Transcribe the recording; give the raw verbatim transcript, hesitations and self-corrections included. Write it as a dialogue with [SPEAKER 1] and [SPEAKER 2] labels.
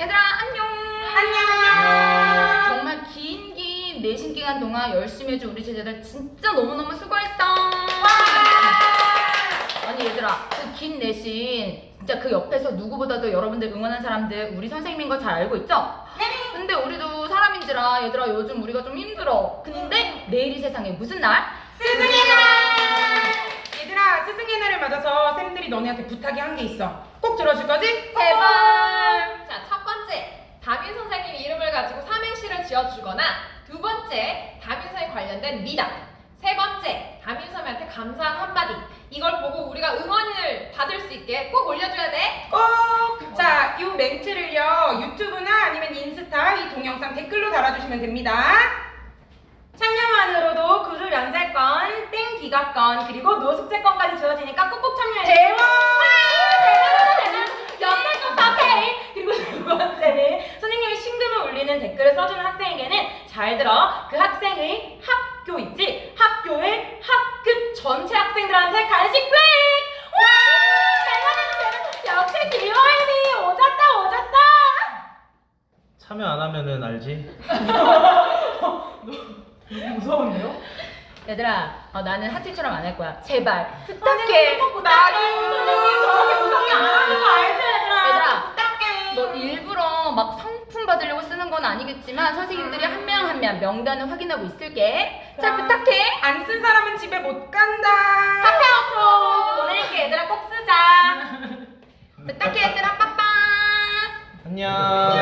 [SPEAKER 1] 얘들아 안녕.
[SPEAKER 2] 안녕.
[SPEAKER 1] 정말 긴 긴 내신 기간 동안 열심히 해준 우리 제자들 진짜 너무너무 수고했어. 아니 얘들아 그 긴 내신 진짜 그 옆에서 누구보다도 여러분들 응원한 사람들 우리 선생님인 거 잘 알고 있죠?
[SPEAKER 2] 네.
[SPEAKER 1] 근데 우리도 사람인지라 얘들아 요즘 우리가 좀 힘들어. 근데 내일이 세상에 무슨 날?
[SPEAKER 2] 스승의 날! 얘들아, 스승의 날을 맞아서 쌤들이 너네한테 부탁이 한 게 있어. 꼭 들어줄 거지?
[SPEAKER 1] 제발.
[SPEAKER 3] 자, 첫 번째, 담임 선생님 이름을 가지고 삼행시를 지어주거나 두 번째, 담임 선생님 관련된 미담 세 번째, 담임 선생님한테 감사한 한마디 이걸 보고 우리가 응원을 받을 수 있게 꼭 올려줘야 돼.
[SPEAKER 2] 꼭! 자, 이 멘트를요, 유튜브나 아니면 인스타 이 동영상 댓글로 달아주시면 됩니다. 참여만으로도 구두 면제권, 땡 기가권, 그리고 노숙제권까지 주어지니까 꼭꼭 참여해. 대박!
[SPEAKER 3] 연말권 사페이.
[SPEAKER 2] 그리고 두 번째는 선생님이 심금을 울리는 댓글을 써주는 학생에게는 잘 들어 그 학생의 학교 있지? 학교의 학급 전체 학생들한테 간식 플렉! 와! 역시 디오엠이 오졌다 오졌어!
[SPEAKER 4] 참여 안 하면은 알지?
[SPEAKER 2] 무서운데요?
[SPEAKER 1] 얘들아 어, 나는 하트처럼 안 할 거야. 제발
[SPEAKER 2] 부탁해.
[SPEAKER 1] 부탁해.
[SPEAKER 2] 나도 선생님 저렇게 무섭게 안 하는 거 알지 얘들아?
[SPEAKER 1] 얘들아,
[SPEAKER 2] 부탁해.
[SPEAKER 1] 너 일부러 막 상품 받으려고 쓰는 건 아니겠지만 선생님들이 한 명 한 명 명단을 확인하고 있을게. 잘
[SPEAKER 2] 그럼.
[SPEAKER 1] 부탁해.
[SPEAKER 2] 안 쓴 사람은 집에 못 간다.
[SPEAKER 1] 카카오톡
[SPEAKER 2] 보낼게 얘들아 꼭 쓰자.
[SPEAKER 1] 부탁해 얘들아 빠빠.
[SPEAKER 4] 안녕.